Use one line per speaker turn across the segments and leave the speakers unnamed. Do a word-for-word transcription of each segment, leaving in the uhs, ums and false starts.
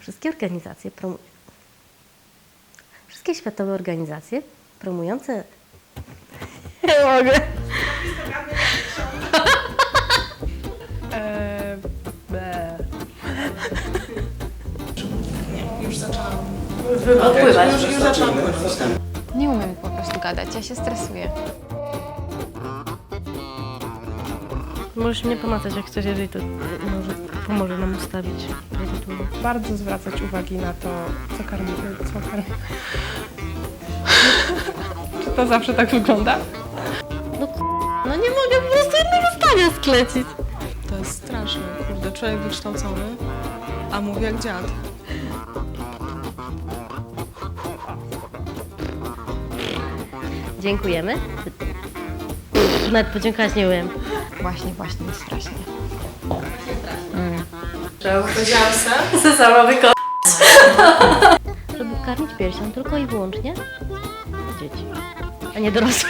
Wszystkie organizacje promują. Wszystkie światowe organizacje promujące. Nie mogę.
Eee, be. Nie, już zaczęłam.
Odpływać.
Już, już zaczęłam pływać.
Nie umiem po prostu gadać, ja się stresuję.
Możesz mnie pomacać jak chcesz, jeżeli to może pomoże nam ustawić prawidłowo.
Bardzo zwracać uwagi na to, co karmi. Co karmi. Czy to zawsze tak wygląda?
No k- no nie mogę po prostu jednego zdania sklecić.
To jest straszne, kurde, człowiek wykształcony, a mówi jak dziad.
Dziękujemy. Nawet podziękować nie umiem.
Właśnie, właśnie, strasznie.
Powiedziałam se?
Co sama wykonać? Żeby karmić piersią tylko i wyłącznie dzieci, a nie dorosłych.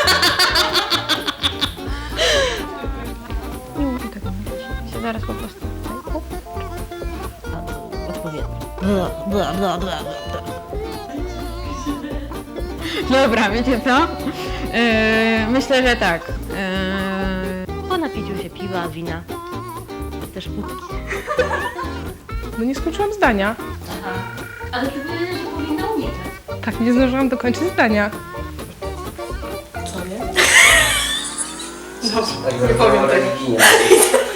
Nie mówię tego, nie się zaraz po prostu...
Odpowiednio. Bla, bla, bla, bla, bla.
Dobra, wiecie co? Yy, myślę, że tak. Yy,
Po napiciu się piwa, wina, też wódki.
No nie skończyłam zdania.
Ale ty powiedziałeś, że powinna unikać.
Tak, nie zdążyłam dokończyć zdania. Co nie?
Tak nie powiem religijnie.